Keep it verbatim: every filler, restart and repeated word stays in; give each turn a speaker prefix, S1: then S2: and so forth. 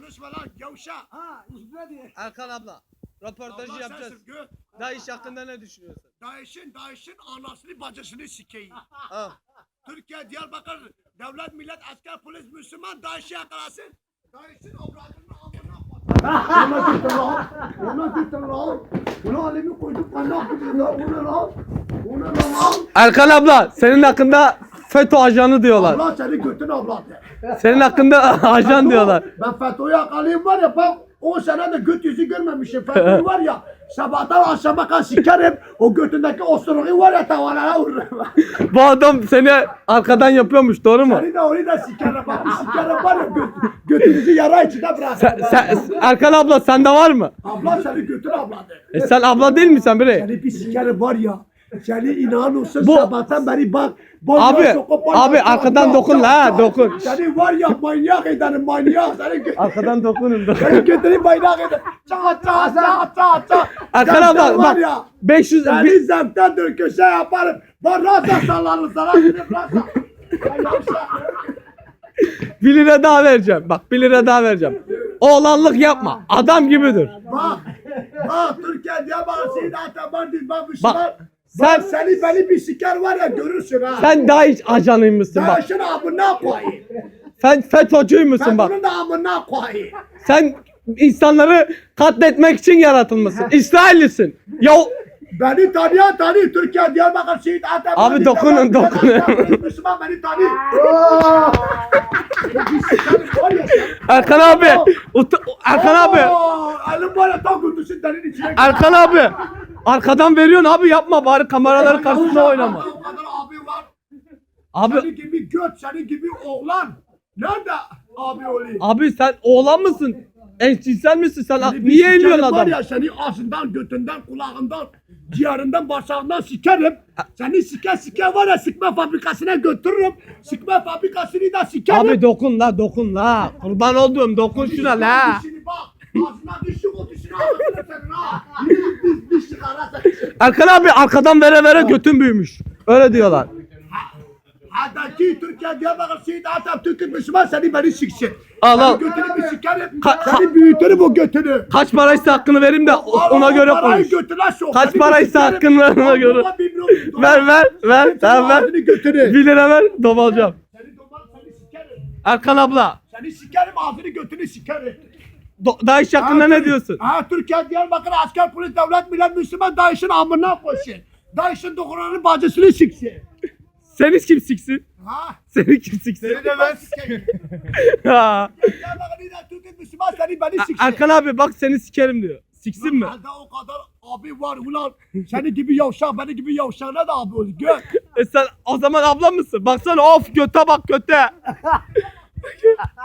S1: konuşma lan gavşa.
S2: Ha, üstüne diye.
S3: Erkan abla, röportajı
S1: Allah
S3: yapacağız.
S1: sensin gö.
S3: DAEŞ hakkında ne düşünüyorsun?
S1: DAEŞ'in DAEŞ'in anasını bacısını sikeyim.
S3: Ha.
S1: Türkiye, Diyarbakır, devlet, millet, asker, polis, Müslüman DAEŞ'i yakalasın. DAEŞ'in avradını amına koyayım. Ona gittin lan. Ona gittin lan. Ona alemi koyduk kandak gibi lan. Bu ne lan? Bu ne lan?
S3: Erkan abla, senin hakkında FETÖ ajanı diyorlar.
S1: Allah seni götün avladı.
S3: Senin hakkında ajan diyorlar.
S1: Ben FETÖ'yü yakalayayım var ya bak on sene de göt yüzü görmemişim. FETÖ'yü var ya sabahtan akşama kadar sikerim. O götündeki osuruğu var ya tavalara vururum.
S3: Bu adam seni arkadan yapıyormuş, doğru mu?
S1: Seni de onu da sikerim. Bak bir sikerim var ya göt, götünüzü yara içine bırakırım.
S3: Sen, sen, Erkan abla sende var mı?
S1: Abla seni götün avladı.
S3: E sen abla değil misin bre?
S1: Seni bir sikerim var ya. Seni inan olsun
S3: Bu-
S1: sabahtan beri bak.
S3: Abi, abi arkadan dokun la, ha, dokun.
S1: Seni var ya manyak ederim manyak. Seni götün.
S3: Arkadan dokunun.
S1: Seni götüreyim manyak ederim. Çat çat çat çat çat.
S3: Erkan
S1: Sen
S3: abla
S1: var
S3: bak
S1: ya.
S3: beş yüz
S1: Seni
S3: bir-
S1: zemten dur köşe yaparım. Ben rasa sallarım sana. Gidip rasa. Ben yavşak.
S3: bir lira daha vereceğim. Bak bir lira daha vereceğim. Oğlanlık yapma. Adam gibidir.
S1: Bak. Bak Türkiye diye bak. Seni ataman değil. Bak Müslüman.
S3: Bak,
S1: Sen
S3: sen-
S1: seni beni bir siker var ya görürsün ha.
S3: Sen DAEŞ ajanıymışsın
S1: Sen
S3: bak.
S1: şunu amına koyayım.
S3: Sen FETÖ'cüymüşsün
S1: Ben
S3: bak.
S1: bunun da amına koyayım.
S3: Sen insanları katletmek için yaratılmışsın. İsraillisin. Ya
S1: Beni tanıyan tanıyor. Türkiye Diyarbakır Şehit Ataman.
S3: Abi dokunun, dokunun.
S1: Müslüman beni tanıyor. Aa! Bir sikerim var ya sen.
S3: Erkan abi. Ut- Erkan abi.
S1: Aa, elim var ya tam gündüzün derin içine.
S3: Erkan abi. Arkadan veriyorsun abi, yapma bari kameraların karşısında oynama.
S1: O kadar abi var.
S3: Abi
S1: Senin gibi göt, senin gibi oğlan. Nerede abi olayım?
S3: abi sen oğlan mısın? Eşcinsel misin sen?
S1: Seni bir
S3: Niye
S1: sikerim
S3: eliyorsun
S1: var
S3: adam?
S1: ya seni ağzından, götünden, kulağından, ciğerinden, bağırsağından sikerim. Seni sike sike var ya sikme fabrikasına götürürüm. Sikme fabrikasını da sikerim.
S3: Abi dokun la, dokun la. Kurban olduğum dokun şuna la.
S1: Dişini bak. Ağzına düşük o dişini ağzına senin ha. Diş, diş çıkara sen.
S3: Erkan abi arkadan vere vere götün büyümüş. Öyle diyorlar.
S1: Hadaki Türkiye Diyarbakır Şehit Atatürk'ün Müslüman seni beni siksin.
S3: Al, al.
S1: Seni götünü bir sikerim.
S3: Ka-
S1: Seni büyütürüm o götünü.
S3: Kaç paraysa hakkını vereyim de o- ona göre
S1: Parayı
S3: konuş.
S1: götüne sok.
S3: Kaç
S1: Seni
S3: paraysa
S1: bir sikerim.
S3: hakkını ver, ona göre.
S1: Allah'ıma bir milyon dolar.
S3: Ver ver ver.
S1: Senin
S3: Tamam ver.
S1: ağzını götünü.
S3: bir lira ver, domalacağım.
S1: Seni domal seni sikerim.
S3: Erkan abla.
S1: Seni sikerim ağzını götünü sikerim.
S3: Do- DAEŞ hakkında ne diyorsun?
S1: Ha Türkiye Diyarbakır asker polis devlet millet Müslüman DAEŞ'in amına koysun. DAEŞ'in dokunanın bacısını siksin.
S3: Seni kim siksin?
S1: Ha?
S3: Seni kim siksin?
S1: Seni de ben sikeyim.
S3: Ha.
S1: Diyarbakır millet Türkiye Müslüman seni beni siksin.
S3: Erkan abi bak seni sikerim diyor. Siksin mi?
S1: Elde o kadar abi var ulan. Seni gibi yavşak, beni gibi yavşağına da abi olur. Gör.
S3: E sen o zaman abla mısın? Baksana of göte bak göte.